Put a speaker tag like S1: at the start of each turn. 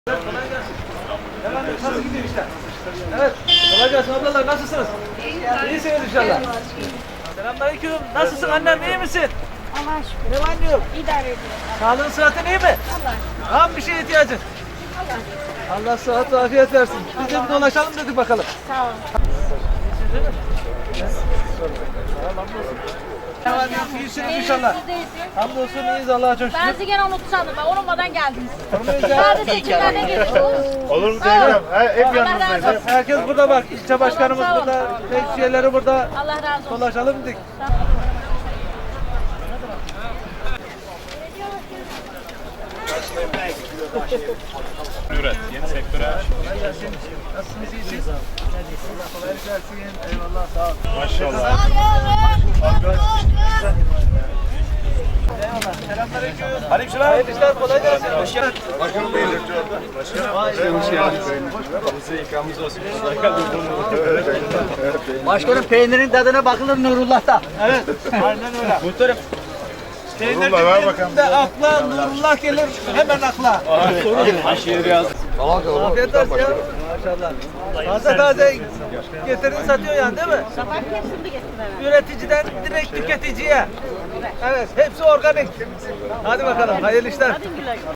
S1: Evet, kolay gelsin. Efendim nasıl gidiyor işler? Evet, kolay gelsin ablalar, nasılsınız? İyisiniz inşallah. Selamünaleyküm, nasılsın annem, iyi misin?
S2: Allah'a şükür.
S1: Ne var ne yok?
S2: İdare ediyor.
S1: Sağlığın sıhhatin iyi mi?
S2: Allah.
S1: Var mı bir şeye ihtiyacın? Allah sıhhat ve afiyet versin. Biz de bir dolaşalım dedik bakalım.
S2: Sağ ol.
S1: İyisiniz değil mi? Tamam, hamdolsun. Ne var ne yok, iyisiniz inşallah.
S2: Siz de iyisiniz.
S1: Hamdolsun, iyiyiz Allah'a çok
S2: Ben
S1: şükür.
S2: sizi gene unuttu sandım. Ben unutmadan geldiniz.
S1: Sormayız ya.
S2: Sadece seçimlerden geçtiniz.
S3: Olur mu Zeynep? Hep
S2: Allah
S3: yanınızdayız.
S2: razı olsun.
S1: Herkes burada bak, ilçe başkanımız
S2: Sağ ol,
S1: burada,
S2: sağ ol.
S1: meclisiyerleri burada.
S2: Allah razı olsun.
S1: Dolaşalım dedik.
S3: Üret, yeni sektöre.
S1: Kolay gelsin. Nasılsınız, iyisiniz? Allah kolaylık versin. Eyvallah, sağ ol.
S3: Maşallah.
S1: Eyvallah. Selamünaleyküm. Aleykümselam. Hayırlı işler, kolay gelsin. Hoş geldin.
S3: Başkanım buyurun. Hoş geldiniz. Bize ikramımız olsun.
S4: Başkanım peynirin tadına bakılır Nurullah'ta.
S1: Evet, aynen öyle.
S3: Muhtarım.
S1: Peynir
S3: ver bakalım.
S1: de akla, Nurullah gelir hemen akla.
S3: Aşırı biraz.
S1: Afiyet olsun ya. Maşallah. Taze taze getirin satıyor yani değil mi?
S2: Sabah hepsini getirdim.
S1: Üreticiden direkt tüketiciye. Evet, hepsi organik. Hadi bakalım, hayırlı işler.
S2: Hadi güle güle.